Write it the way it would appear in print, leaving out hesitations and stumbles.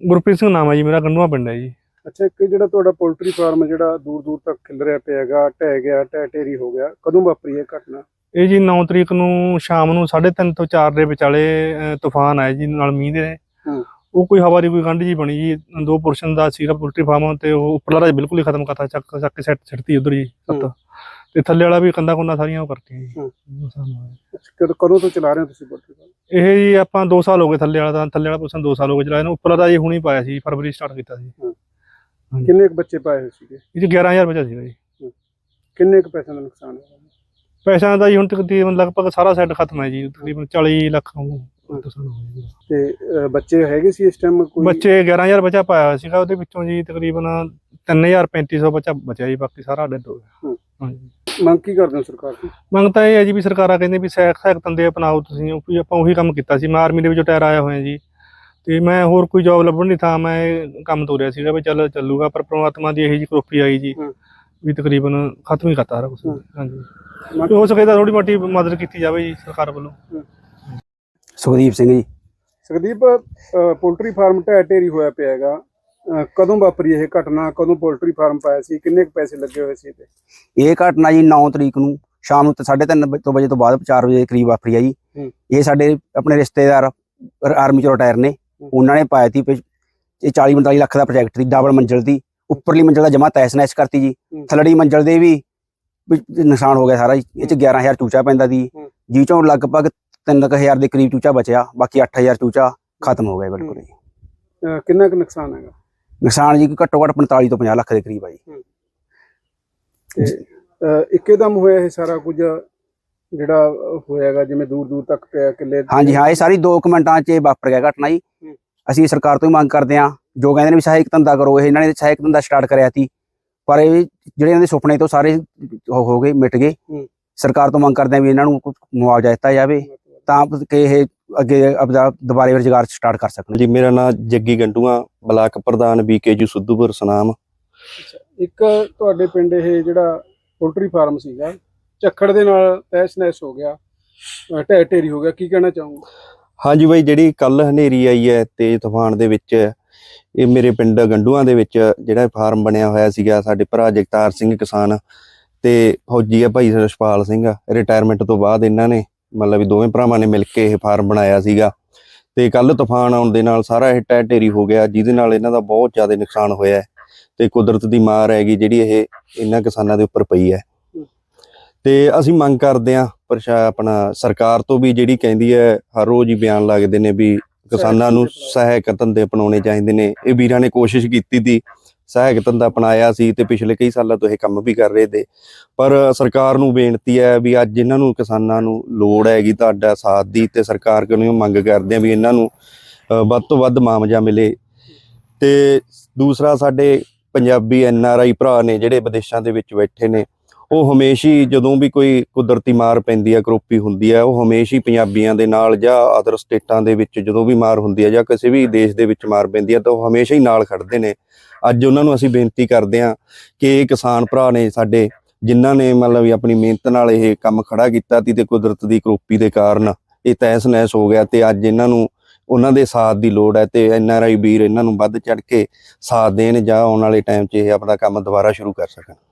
ਗੁਰਪ੍ਰੀਤ ਸਿੰਘ ਨਾਮ ਹੈ ਜੀ, ਮੇਰਾ ਗੰਡੂਆ ਪਿੰਡ ਹੈ ਜੀ। ਅੱਛਾ, ਇੱਕ ਜਿਹੜਾ ਤੁਹਾਡਾ ਪੋਲਟਰੀ ਫਾਰਮ ਜਿਹੜਾ ਦੂਰ ਦੂਰ ਤੱਕ ਖਿਲ ਰਿਹਾ ਪਿਆ ਹੈਗਾ, ਢਹਿ ਗਿਆ, ਢਹਿ ਢੇਰੀ ਹੋ ਗਿਆ, ਕਦੋਂ ਵਾਪਰੀ ਇਹ ਘਟਨਾ? ਇਹ ਜੀ 9 ਤਰੀਕ ਨੂੰ ਸ਼ਾਮ ਨੂੰ 3:30 ਤੋਂ 4 ਦੇ ਵਿਚਾਲੇ ਤੂਫਾਨ ਆਇਆ ਜੀ, ਨਾਲ ਮੀਂਹ ਦੇ। ਉਹ ਕੋਈ ਹਵਾ ਦੀ ਕੋਈ ਗੰਢ ਜੀ ਬਣੀ ਜੀ, 2 ਪੁਰਸ਼ਨ ਦਾ ਸੀਗਾ ਪੋਲਟਰੀ ਫਾਰਮ, ਤੇ ਉਹ ਉੱਪਰਲਾ ਰਾਜ ਬਿਲਕੁਲ ਹੀ ਖਤਮ ਕਰਤਾ, ਚੱਕ ਕੇ ਸਿੱਟਤੀ ਉਧਰ ਜੀ ਛੱਤ, ਤੇ ਥੱਲੇ ਵਾਲਾ ਵੀ ਕੰਧਾਂ ਕੁੰਧਾਂ ਸਾਰੀਆਂ ਉਹ ਕਰਤੀਆਂ ਜੀ। ਕਦੋਂ ਤੋਂ ਚਲਾ ਰਹੇ ਹੋ ਤੁਸੀਂ ਪੋਲਟਰੀ ਫਾਰਮ? ਇਹ ਜੀ ਆਪਾਂ 2 ਸਾਲ ਹੋ ਗਏ, ਥੱਲੇ ਵਾਲਾ ਪੁਰਸ਼ਨ 2 ਸਾਲ ਹੋ ਗਏ ਚਲਾਇਆ ਨੂੰ, ਉੱਪਰਲਾ ਤਾਂ ਜੀ ਹੁਣੀ ਪਾਇਆ ਸੀ, ਫਰਵਰੀ ਸਟਾਰਟ ਕੀਤਾ ਸੀ। ਕਿੰਨੇ ਕੁ ਬੱਚੇ ਪਾਏ ਹੋਏ ਸੀਗੇ? ਇਹ 'ਚ 11,000 ਬੱਚਾ ਸੀਗਾ ਜੀ। ਕਿੰਨੇ ਕੁ ਪੈਸਿਆਂ ਦਾ ਨੁਕਸਾਨ ਹੋਇਆ? ਪੈਸਿਆਂ ਦਾ ਜੀ ਹੁਣ ਤਕਰੀਬਨ ਲਗਭਗ ਸਾਰਾ ਸੈੱਟ ਖਤਮ ਹੈ ਜੀ, ਤਕਰੀਬਨ 40 ਲੱਖ ਤੇ ਬੱਚੇ ਹੈਗੇ ਸੀ ਇਸ ਟਾਈਮ? ਬੱਚੇ 11,000 ਬੱਚਾ ਪਾਇਆ ਹੋਇਆ ਸੀਗਾ, ਉਹਦੇ ਵਿੱਚੋਂ ਜੀ ਤਕਰੀਬਨ 3,3500 ਬੱਚਾ ਬਚਿਆ ਜੀ, ਬਾਕੀ ਸਾਰਾ ਡੈਡ ਹੋ ਗਿਆ। ਹਾਂਜੀ, ਮੰਗ ਕੀ ਕਰਦੇ ਹੋ ਸਰਕਾਰ ਤੋਂ? ਮੰਗ ਤਾਂ ਇਹ ਹੈ ਜੀ ਵੀ ਸਰਕਾਰਾਂ ਕਹਿੰਦੇ ਵੀ ਸਹਾਇਕ ਧੰਦੇ ਅਪਣਾਓ ਤੁਸੀਂ, ਆਪਾਂ ਉਹੀ ਕੰਮ ਕੀਤਾ ਸੀ। ਮੈਂ ਆਰਮੀ ਦੇ ਵਿੱਚੋਂ ਰਿਟਾਇਰ ਆਇਆ ਹੋਇਆ ਜੀ, ਤੇ ਮੈਂ ਹੋਰ ਕੋਈ ਜੋਬ ਲੱਭਣ ਨਹੀਂ ਥਾ, ਮੈਂ ਇਹ ਕੰਮ ਤੋਰਿਆ ਸੀਗਾ ਵੀ ਚੱਲ ਚੱਲੂਗਾ, ਪਰ ਪ੍ਰਮਾਤਮਾ ਦੀ ਇਹੀ ਜਿਹੀ ਕਰੋਪੀ ਆਈ ਜੀ ਵੀ ਤਕਰੀਬਨ ਖਤਮ ਹੀ ਕਰਤਾ ਸਾਰਾ ਕੁਛ। ਹਾਂਜੀ, ਹੋ ਸਕੇ ਤਾਂ ਥੋੜੀ ਮੋਟੀ ਮਦਦ ਕੀਤੀ ਜਾਵੇ ਜੀ ਸਰਕਾਰ ਵੱਲੋਂ। ਸੁਖਦੀਪ ਸਿੰਘ ਜੀ। ਸੁਖਦੀਪ, ਪੋਲਟਰੀ ਫਾਰਮ ਢਹਿ ਢੇਰੀ ਹੋਇਆ ਪਿਆ ਹੈਗਾ, ਕਦੋਂ ਵਾਪਰੀ ਇਹ ਘਟਨਾ? ਕਦੋਂ ਪੋਲਟਰੀ ਫਾਰਮ ਪਾਇਆ ਸੀ? ਕਿੰਨੇ ਕੁ ਪੈਸੇ ਲੱਗੇ ਹੋਏ ਸੀ ਤੇ? ਇਹ ਘਟਨਾ ਜੀ 9 ਤਰੀਕ ਨੂੰ ਸ਼ਾਮ ਨੂੰ 3:30 ਵਜੇ ਤੋਂ ਬਾਅਦ 4 ਵਜੇ ਕਰੀਬ ਵਾਪਰੀ ਆ ਜੀ। ਇਹ ਸਾਡੇ ਆਪਣੇ ਰਿਸ਼ਤੇਦਾਰ ਆਰਮੀ ਚੋਂ ਰਿਟਾਇਰ ਨੇ, ਉਹਨਾਂ ਨੇ ਪਾਇਆ ਸੀ। ਇਹ 40-45 ਲੱਖ ਦਾ ਪ੍ਰੋਜੈਕਟ ਸੀ, ਡਬਲ ਮੰਜ਼ਿਲ ਦੀ। ਉੱਪਰਲੀ ਮੰਜ਼ਿਲ ਦਾ ਜਮਾ ਤਹਿਸ ਨਹਿਸ ਕਰਤੀ ਜੀ, ਥੱਲੜੀ ਮੰਜ਼ਿਲ ਦੇ ਵੀ ਨੁਕਸਾਨ ਹੋ ਗਿਆ ਸਾਰਾ ਜੀ। ਇਹ 'ਚ 11,000 ਚੂਚਾ ਪੈਂਦਾ ਸੀ, ਜੀ ਚੋਂ ਲਗਭਗ 3,000 ਦੇ ਕਰੀਬ ਚੂਚਾ ਬਚਿਆ, ਬਾਕੀ 8,000 ਚੂਚਾ ਖਤਮ ਹੋ ਗਿਆ ਬਿਲਕੁਲ ਜੀ। ਕਿੰਨਾ ਕੁ ਨੁਕਸਾਨ ਹੈਗਾ? ਨੁਕਸਾਨ ਜੀ ਘੱਟੋ ਘੱਟ 45 ਤੋਂ 50 ਲੱਖ ਦੇ ਕਰੀਬ ਆ ਜੀ। ਇੱਕਦਮ ਹੋਇਆ ਇਹ ਸਾਰਾ ਕੁਝ ਜਿਹੜਾ ਹੋਇਆਗਾ, ਜਿਵੇਂ ਦੂਰ ਦੂਰ ਤੱਕ ਪਿਆ ਕਿੱਲੇ? ਹਾਂਜੀ ਹਾਂ, ਇਹ ਸਾਰੀ 2 ਮਿੰਟਾਂ 'ਚ ਵਾਪਰ ਗਿਆ ਘਟਨਾ ਜੀ। ਅਸੀਂ ਸਰਕਾਰ ਤੋਂ ਹੀ ਮੰਗ ਕਰਦੇ ਹਾਂ, ਜੋ ਕਹਿੰਦੇ ਨੇ ਵੀ ਸਹਾਇਕ ਧੰਦਾ ਕਰੋ, ਇਹਨਾਂ ਨੇ ਸਹਾਇਕ ਧੰਦਾ ਸਟਾਰਟ ਕਰਿਆ ਸੀ, ਪਰ ਇਹ ਜਿਹੜੇ ਇਹਨਾਂ ਦੇ ਸੁਪਨੇ ਤੋਂ ਸਾਰੇ ਹੋ ਗਏ, ਮਿਟ ਗਏ। ਸਰਕਾਰ ਤੋਂ ਮੰਗ ਕਰਦੇ ਹਾਂ ਵੀ ਇਹਨਾਂ ਨੂੰ ਮੁਆਵਜ਼ਾ ਦਿੱਤਾ ਜਾਵੇ, ਤਾਂ ਕਿ ਇਹ ਅੱਗੇ ਆਪਦਾ ਦੁਬਾਰੇ ਰੁਜ਼ਗਾਰ ਸਟਾਰਟ ਕਰ ਸਕਣ ਜੀ। ਮੇਰਾ ਨਾਮ ਜੱਗੀ ਗੰਡੂਆ, ਬਲਾਕ ਪ੍ਰਧਾਨ BKU ਸੁੱਧੂਪੁਰ ਸੁਨਾਮ। ਇੱਕ ਤੁਹਾਡੇ ਪਿੰਡ ਇਹ ਜਿਹੜਾ ਪੋਲਟਰੀ ਫਾਰਮ ਸੀਗਾ, ਝੱਖੜ ਦੇ ਨਾਲ ਤਹਿਸ ਨਹਿਸ ਹੋ ਗਿਆ, ਢਹਿ ਢੇਰੀ ਹੋ ਗਿਆ, ਕੀ ਕਹਿਣਾ ਚਾਹੂੰਗਾ? ਹਾਂਜੀ ਬਾਈ, ਜਿਹੜੀ ਕੱਲ ਹਨੇਰੀ ਆਈ ਹੈ ਤੇਜ਼ ਤੂਫਾਨ ਦੇ ਵਿੱਚ, ਇਹ ਮੇਰੇ ਪਿੰਡ ਗੰਡੂਆਂ ਦੇ ਵਿੱਚ ਜਿਹੜਾ ਫਾਰਮ ਬਣਿਆ ਹੋਇਆ ਸੀਗਾ, ਸਾਡੇ ਭਰਾ ਜਗਤਾਰ ਸਿੰਘ ਕਿਸਾਨ ਤੇ ਫੌਜੀ ਆ ਭਾਈ ਰਸ਼ਪਾਲ ਸਿੰਘ, ਰਿਟਾਇਰਮੈਂਟ ਤੋਂ ਬਾਅਦ ਇਹਨਾਂ ਨੇ ਮਤਲਬ ਵੀ ਦੋਵੇਂ ਭਰਾਵਾਂ ਨੇ ਮਿਲ ਕੇ ਇਹ ਫਾਰਮ ਬਣਾਇਆ ਸੀਗਾ। ਤੇ ਕੱਲ ਤੂਫਾਨ ਆਉਣ ਦੇ ਨਾਲ ਸਾਰਾ ਇਹ ਢਹਿ ਢੇਰੀ ਹੋ ਗਿਆ, ਜਿਹਦੇ ਨਾਲ ਇਹਨਾਂ ਦਾ ਬਹੁਤ ਜ਼ਿਆਦਾ ਨੁਕਸਾਨ ਹੋਇਆ ਤੇ ਕੁਦਰਤ ਦੀ ਮਾਰ ਹੈਗੀ ਜਿਹੜੀ ਇਹ ਇਹਨਾਂ ਕਿਸਾਨਾਂ ਦੇ ਉੱਪਰ ਪਈ ਹੈ। ਤੇ ਅਸੀਂ ਮੰਗ ਕਰਦੇ ਹਾਂ ਆਪਣਾ ਸਰਕਾਰ ਤੋਂ ਵੀ, ਜਿਹੜੀ ਕਹਿੰਦੀ ਹੈ ਹਰ ਰੋਜ਼ ਹੀ ਬਿਆਨ ਲੱਗਦੇ ਨੇ ਵੀ ਕਿਸਾਨਾਂ ਨੂੰ ਸਹਾਇਕ ਧੰਦੇ ਅਪਣਾਉਣੇ ਚਾਹੀਦੇ ਨੇ। ਇਹ ਵੀਰਾਂ ਨੇ ਕੋਸ਼ਿਸ਼ ਕੀਤੀ ਤੀ, ਸਹਾਇਕ ਧੰਦਾ ਅਪਣਾਇਆ ਸੀ ਤੇ ਪਿਛਲੇ ਕਈ ਸਾਲਾਂ ਤੋਂ ਇਹ ਕੰਮ ਵੀ ਕਰ ਰਹੇ ਤੇ, ਪਰ ਸਰਕਾਰ ਨੂੰ ਬੇਨਤੀ ਹੈ ਵੀ ਅੱਜ ਇਹਨਾਂ ਨੂੰ ਕਿਸਾਨਾਂ ਨੂੰ ਲੋੜ ਹੈਗੀ ਤੁਹਾਡਾ ਸਾਥ ਦੀ, ਤੇ ਸਰਕਾਰ ਕੋਲੋਂ ਮੰਗ ਕਰਦੇ ਆ ਵੀ ਇਹਨਾਂ ਨੂੰ ਵੱਧ ਤੋਂ ਵੱਧ ਮੁਆਵਜ਼ਾ ਮਿਲੇ। ਤੇ ਦੂਸਰਾ, ਸਾਡੇ ਪੰਜਾਬੀ NRI ਭਰਾ ਨੇ ਜਿਹੜੇ ਵਿਦੇਸ਼ਾਂ ਦੇ ਵਿੱਚ ਬੈਠੇ ਨੇ, ਉਹ ਹਮੇਸ਼ਾ ਹੀ ਜਦੋਂ ਵੀ ਕੋਈ ਕੁਦਰਤੀ ਮਾਰ ਪੈਂਦੀ ਹੈ, ਕਰੋਪੀ ਹੁੰਦੀ ਹੈ, ਉਹ ਹਮੇਸ਼ਾ ਹੀ ਪੰਜਾਬੀਆਂ ਦੇ ਨਾਲ, ਜਾਂ ਅਦਰ ਸਟੇਟਾਂ ਦੇ ਵਿੱਚ ਜਦੋਂ ਵੀ ਮਾਰ ਹੁੰਦੀ ਹੈ ਜਾਂ ਕਿਸੇ ਵੀ ਦੇਸ਼ ਦੇ ਵਿੱਚ ਮਾਰ ਪੈਂਦੀ ਹੈ, ਤਾਂ ਉਹ ਹਮੇਸ਼ਾ ਹੀ ਨਾਲ ਖੜਦੇ ਨੇ। ਅੱਜ ਉਹਨਾਂ ਨੂੰ ਅਸੀਂ ਬੇਨਤੀ ਕਰਦੇ ਹਾਂ ਕਿ ਇਹ ਕਿਸਾਨ ਭਰਾ ਨੇ ਸਾਡੇ, ਜਿਨ੍ਹਾਂ ਨੇ ਮਤਲਬ ਵੀ ਆਪਣੀ ਮਿਹਨਤ ਨਾਲ ਇਹ ਕੰਮ ਖੜਾ ਕੀਤਾ ਸੀ, ਤੇ ਕੁਦਰਤ ਦੀ ਕਰੋਪੀ ਦੇ ਕਾਰਨ ਇਹ ਤਹਿਸ ਨਹਿਸ ਹੋ ਗਿਆ, ਤੇ ਅੱਜ ਇਹਨਾਂ ਨੂੰ ਉਹਨਾਂ ਦੇ ਸਾਥ ਦੀ ਲੋੜ ਹੈ, ਤੇ NRI ਵੀਰ ਇਹਨਾਂ ਨੂੰ ਵੱਧ ਚੜ੍ਹ ਕੇ ਸਾਥ ਦੇਣ, ਜਾਂ ਆਉਣ ਵਾਲੇ ਟਾਈਮ 'ਚ ਇਹ ਆਪਣਾ ਕੰਮ ਦੁਬਾਰਾ ਸ਼ੁਰੂ ਕਰ ਸਕਣ।